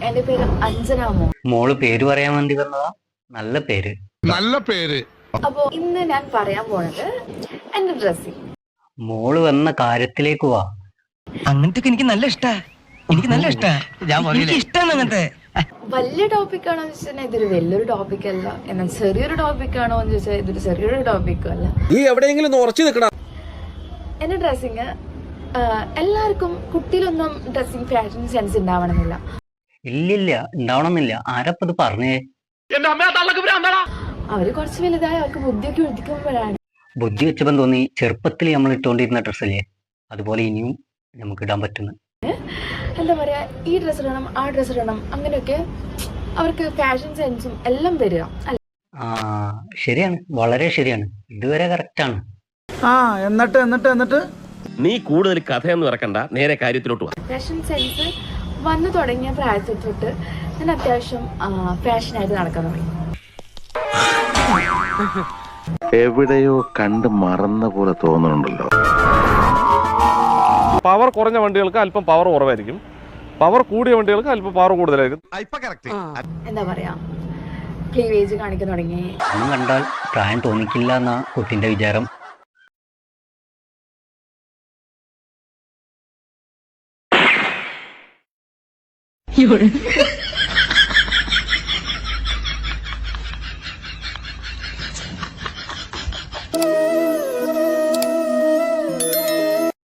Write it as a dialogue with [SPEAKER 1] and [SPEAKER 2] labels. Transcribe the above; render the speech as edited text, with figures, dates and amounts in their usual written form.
[SPEAKER 1] എന്റെ പേര് അഞ്ജന മോൾ.
[SPEAKER 2] മോള് പേര് പറയാൻ വേണ്ടി വന്നതാ? നല്ല പേര്.
[SPEAKER 3] നല്ല പേര്.
[SPEAKER 1] അപ്പോ ഇന്ന് ഞാൻ പറയാൻ പോണത് എന്റെ ഡ്രസ്സിങ്.
[SPEAKER 2] മോള് വന്ന കാര്യത്തിലേക്ക് വാ.
[SPEAKER 4] അങ്ങനത്തെ എനിക്ക് നല്ല ഇഷ്ടാ. എനിക്ക് നല്ല ഇഷ്ടാ. എനിക്ക് ഇഷ്ടമാണ് അങ്ങനത്തെ.
[SPEAKER 1] വലിയ ടോപ്പിക് ആണോ എന്ന് ചോദിച്ചാൽ ഇതൊരു വലിയൊരു ടോപ്പിക് അല്ല. എന്നാൽ ചെറിയൊരു ടോപ്പിക് ആണോ എന്ന് ചോദിച്ചാൽ ഇതൊരു ചെറിയൊരു ടോപ്പിക്കും അല്ല.
[SPEAKER 5] നീ എവിടെയെങ്കിലും ഉറച്ചു നിൽക്കണം.
[SPEAKER 1] എന്റെ ഡ്രസ്സിങ് എല്ലാവർക്കും കുട്ടിയിലൊന്നും ഡ്രസ്സിങ് ഫാഷൻ സെൻസ് ഉണ്ടാവണമെന്നില്ല.
[SPEAKER 2] ഇല്ലില്ല, ഉണ്ടാവണമെന്നില്ല. ആരപ്പത് പറഞ്ഞേ?
[SPEAKER 1] അവര് കുറച്ച് വലുതായി അവർക്ക് ബുദ്ധിയൊക്കെ ഉദിക്കുമ്പോഴാണ്.
[SPEAKER 2] ബുദ്ധി വെച്ചപ്പം തോന്നി ചെറുപ്പത്തിൽ നമ്മൾ ഇട്ടുകൊണ്ടിരുന്ന ഡ്രസ്സല്ലേ അതുപോലെ ഇനിയും നമുക്ക് ഇടാൻ പറ്റുന്നു.
[SPEAKER 1] എന്താ പറയാ, ഈ ഡ്രസ്സ് ഇടണം ആ ഡ്രസ്സ് ഇടണം അങ്ങനെയൊക്കെ അവർക്ക് ഫാഷൻ സെൻസും എല്ലാം വരിക.
[SPEAKER 2] ആ ശരിയാണ്, വളരെ ശരിയാണ്. ഇതുവരെ കറക്റ്റാണ്.
[SPEAKER 6] എന്നിട്ട്
[SPEAKER 5] നീ കൂടുതൽ കഥയൊന്നും ഇറക്കണ്ട, നേരെ കാര്യത്തിലോട്ട് വാ.
[SPEAKER 1] ഫാഷൻ സെൻസ് വന്നു തുടങ്ങിയ പ്രായത്തിൽ തൊട്ട് ഞാൻ അത്യാവശ്യം ഫാഷനായിട്ട് നടക്കാൻ തുടങ്ങി.
[SPEAKER 7] എവിടെയോ കണ്ട് മറന്ന പോലെ തോന്നുന്നുണ്ടല്ലോ.
[SPEAKER 8] പവർ കുറഞ്ഞ വണ്ടികൾക്ക് അല്പം പവർ കുറവായിരിക്കും, പവർ കൂടിയ വണ്ടികൾക്ക് അല്പം പവർ കൂടുതലായിരിക്കും.
[SPEAKER 1] എന്താ പറയാ, ക്ലീവേജ് കാണിക്കാൻ തുടങ്ങി.
[SPEAKER 2] ഒന്നും കണ്ടാൽ പ്രായം തോന്നിക്കില്ല എന്നാ കുട്ടിന്റെ വിചാരം.